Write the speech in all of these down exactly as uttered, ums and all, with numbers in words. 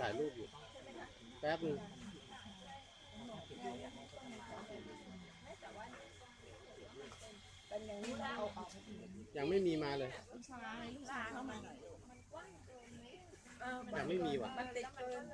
ถ่ายรูปอยู่แป๊บนึงยังไม่มีมาเลยยังไม่มีว่ะมันติดเกิน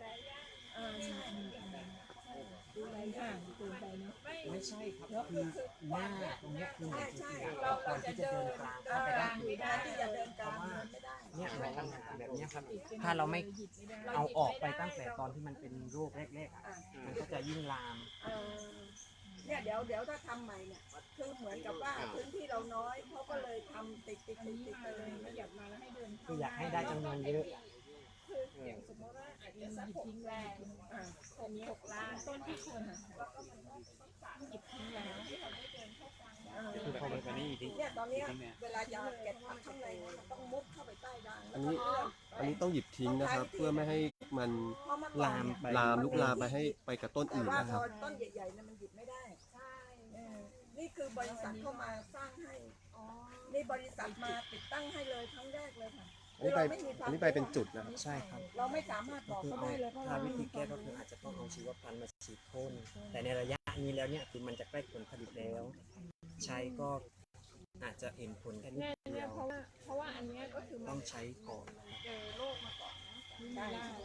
ดูแลยากเกินไปเนาะไม่ใช่ครับคือหน้าตรงนี้คือเหมือนจริงๆเราควรที่จะเดินกลางเข้าไปได้ที่จะเดินกลางเนี่ยในปัญหาแบบนี้ครับถ้าเราไม่เอาออกไปตั้งแต่ตอนที่มันเป็นโรคแรกๆอ่ะมันก็จะยิ่งลามเนี่ยเดี๋ยวเดี๋ยวถ้าทำใหม่เนี่ยคือเหมือนกับว่าพื้นที่เราน้อยเขาก็เลยทำติดติดติดติดกันเลยไม่อยากมาแล้วให้เดินคืออยากให้ได้จำนวนเยอะอย่างสมมติว่าอาจจะสักหกแรงอันนี้หกล้านต้นที่ควรหยิบทิ้งแล้วคือพอมันนี่ทิ้งเนี่ยตอนนี้เวลาจะเก็บผักข้างในมันต้องมุดเข้าไปใต้ด่างอันนี้อันนี้ต้องหยิบทิ้งนะครับเพื่อไม่ให้มันลามลามลุกลามไปให้ไปกับต้นอื่นนะครับแต่ว่าต้นใหญ่ๆเนี่ยมันหยิบไม่ได้ใช่นี่คือบริษัทเข้ามาสร้างให้นี่บริษัทมาติดตั้งให้เลยครั้งแรกเลยค่ะอันนี้ไปอันนี้ไปเป็นจุดนะครับใช่ครับเราไม่สามารถบอกเขาได้เลยเพราะถ้าวิธีแก้ก็คืออาจจะต้องเอาชีวพันธุ์มาฉีดพ่นแต่ในระยะนี้แล้วเนี่ยคือมันจะใกล้ผลผลิตแล้วใช้ก็อาจจะเห็นผลแค่นิดเดียวเพราะว่าเพราะว่าอันนี้ก็คือต้องใช้ก่อนเจอโรคมาก่อนได้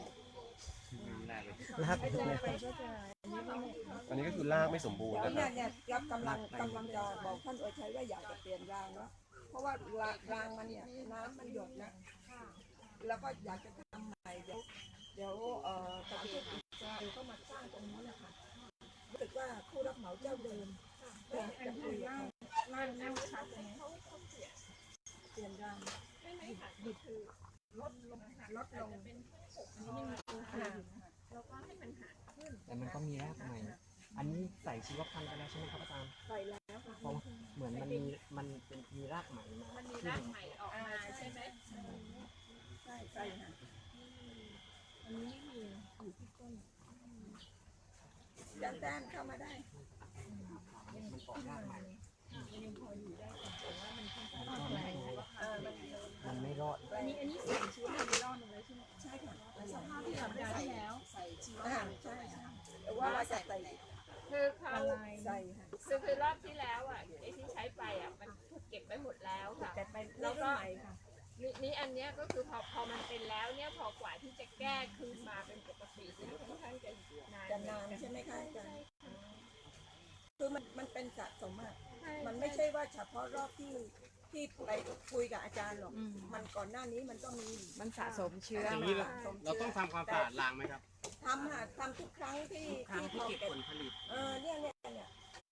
รากไปก็จะอันนี้ก็คือรากไม่สมบูรณ์นะคเนี่รัยเนี่ยรับกำลังกำลังจะบอกท่านโอชัยว่าอยากจะเปลี่ยนรางแล้วเพราะว่ารางมันเนี่ยน้ำมันหยดนะแล้วก็อยากจะทำใหม่เดี๋ยวเดี๋ยวเอ่อการที่จะเข้ามาสร้างตรงนี้นะคะรู้สึกว่าผู้รับเหมาเจ้าเดิมจะคุยกันนั่นนั่นค่ะตรงนี้เขาเขาเปลี่ยนเปลี่ยนรางไม่ไม่ค่ะหยุดคือลดลงลดลงเป็นหกอันนี้ยังมีตัวค่ะแล้วก็ให้มันหาขึ้นแต่มันก็มีรากใหม่อันนี้ใส่ชีวพันธุ์ไปแล้วใช่ไหมครับอาจารย์ใส่แล้วค่ะเพราะเหมือนมันมีมันเป็นมีรากใหม่มามันมีรากใหม่ออกมาใช่ไหมใช่ใช่ค่ะอันนี้ไม่มีอยู่ที่ต้นยันแดนเข้ามาได้มันออกรากใหม่ยังพออยู่ได้แต่ว่ามันค่อนข้างแรงมันไม่รอดอันนี้อันนี้ใส่ชีวพันธุ์รอดเลยใช่ไหมใช่ค่ะสภาพที่สัปดาห์ที่แล้วใส่ชีวพันธุ์ใช่แต่ว่าเราจะใส่คือเขาใส่ค่ะคือคือรอบที่แล้วอ่ะไอ้ที่ใช้ไปอ่ะมันถูกเก็บไว้หมดแล้วค่ะแต่ไปแล้วก็นี่นี่อันเนี้ยก็คือพอพอมันเป็นแล้วเนี่ยพอกว่าที่จะแก้คืนมาเป็นปกติเนี่ยค่อนข้างจะนานจะนานใช่ไหมคะอาจารย์คือมันมันเป็นสะสมอ่ะมันไม่ใช่ว่าเฉพาะรอบที่ที่ไปคุยกับอาจารย์หรอกมันก่อนหน้านี้มันก็มีมันสะสมเชื้ออย่างนี้เราต้องทำความสะอาดรางไหมครับทำค่ะทำทุกครั้งที่ที่เก็บผลผลิตเออเนี่ยเนี่ยเนี่ย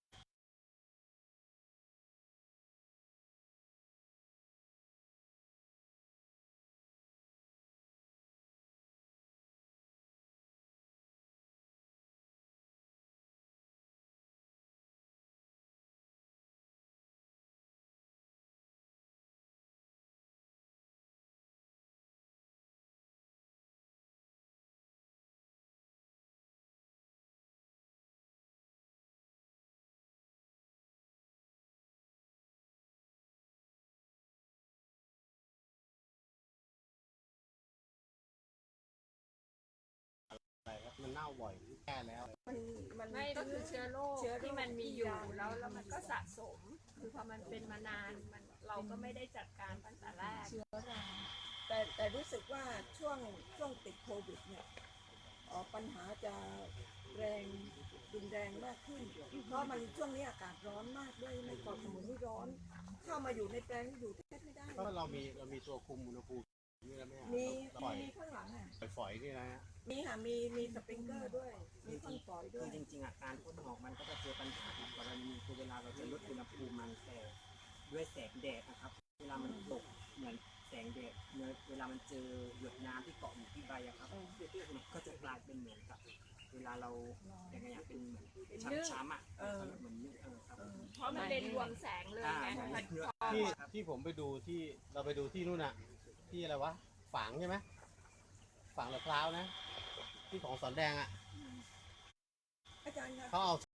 มันเน่าบ่อยแก้แล้วมันมันไม่ก็คือเชื้อโรคที่มันมีอยู่แล้วแล้วมันก็สะสมคือพอมันเป็นมานานมันเราก็ไม่ได้จัดการตั้งแต่แรกเชื้อราแต่แต่รู้สึกว่าช่วงช่วงติดโควิดเนี่ยปัญหาจะแรงรุนแรงมากขึ้นเพราะมันช่วงนี้อากาศร้อนมากด้วยในเกาะสมุยนี่ร้อนเข้ามาอยู่ในแปลงอยู่แทบไม่ได้เพราะเรามีเรามีตัวคุมอุณหภูมินี่แล้วไหมมีมีข้างหลังอ่ะฝอยนี่นะฮะมีค่ะมีมีสปริงเกอร์ด้วยมีพ่นฝอยด้วยจริงๆอาการพ่นออกมันก็จะเจอปัญหากรณีคือเวลาเราจะลดอุณหภูมิมันแต่ด้วยแสงแดดนะครับเวลามันตกเหมือนแสงแดดเวลามันเจอหยดน้ำที่เกาะอยู่ที่ใบอะครับก็จะกลายเป็นเหมือนกับเวลาเราอย่างไงอย่างเป็นเหมือนช้ำๆอ่ะเหมือนเออครับเพราะมันเป็นรวมแสงเลยไงที่ที่ผมไปดูที่เราไปดูที่นู่นน่ะที่อะไรวะฝางใช่ไหมฝางมะพร้าวนะที่ของสอนแดงอ่ะอาจารย์เขาเอา